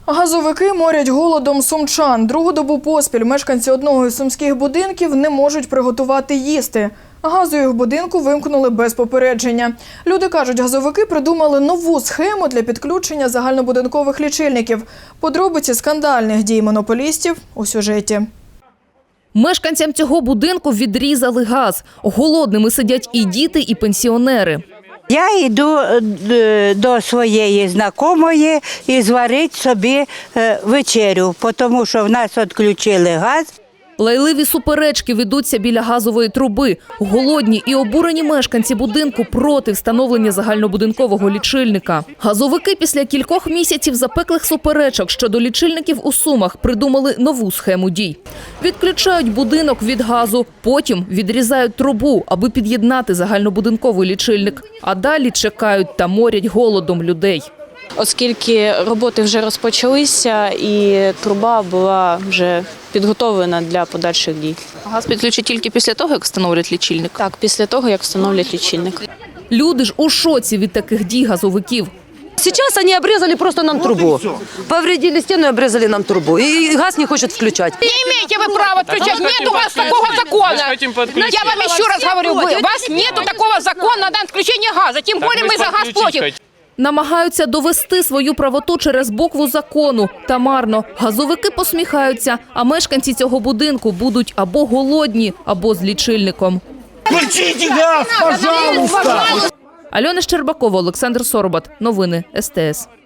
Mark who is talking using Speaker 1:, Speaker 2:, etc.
Speaker 1: Газовики морять голодом сумчан. Другу добу поспіль мешканці одного із сумських будинків не можуть приготувати їсти. Газу їх в будинку вимкнули без попередження. Люди кажуть, газовики придумали нову схему для підключення загальнобудинкових лічильників. Подробиці скандальних дій монополістів у сюжеті.
Speaker 2: Мешканцям цього будинку відрізали газ. Голодними сидять і діти, і пенсіонери.
Speaker 3: Я йду до своєї знайомої і зварити собі вечерю, тому що в нас відключили газ.
Speaker 2: Лайливі суперечки ведуться біля газової труби. Голодні і обурені мешканці будинку проти встановлення загальнобудинкового лічильника. Газовики після кількох місяців запеклих суперечок щодо лічильників у Сумах придумали нову схему дій. Відключають будинок від газу, потім відрізають трубу, аби під'єднати загальнобудинковий лічильник. А далі чекають та морять голодом людей.
Speaker 4: Оскільки роботи вже розпочалися і труба була вже підготовлена для подальших дій.
Speaker 2: Газ підключать тільки після того, як встановлять лічильник?
Speaker 4: Так, після того, як встановлять лічильник.
Speaker 2: Люди ж у шоці від таких дій газовиків.
Speaker 5: Сейчас они обрезали просто нам трубу. Повредили стену и обрезали нам трубу. И газ не хочет включать.
Speaker 6: Не имеете вы права отключать. Нет у вас такого закона. Я вам еще раз говорю, у вас нету такого закона на отключение газа. Тем более мы за газ платим.
Speaker 2: Намагаються довести свою правоту через букву закону. Та марно. Газовики посміхаються, а мешканці цього будинку будуть або голодні, або з лічильником.
Speaker 7: Включите газ, пожалуйста!
Speaker 2: Альона Щербакова, Олександр Соробат. Новини СТС.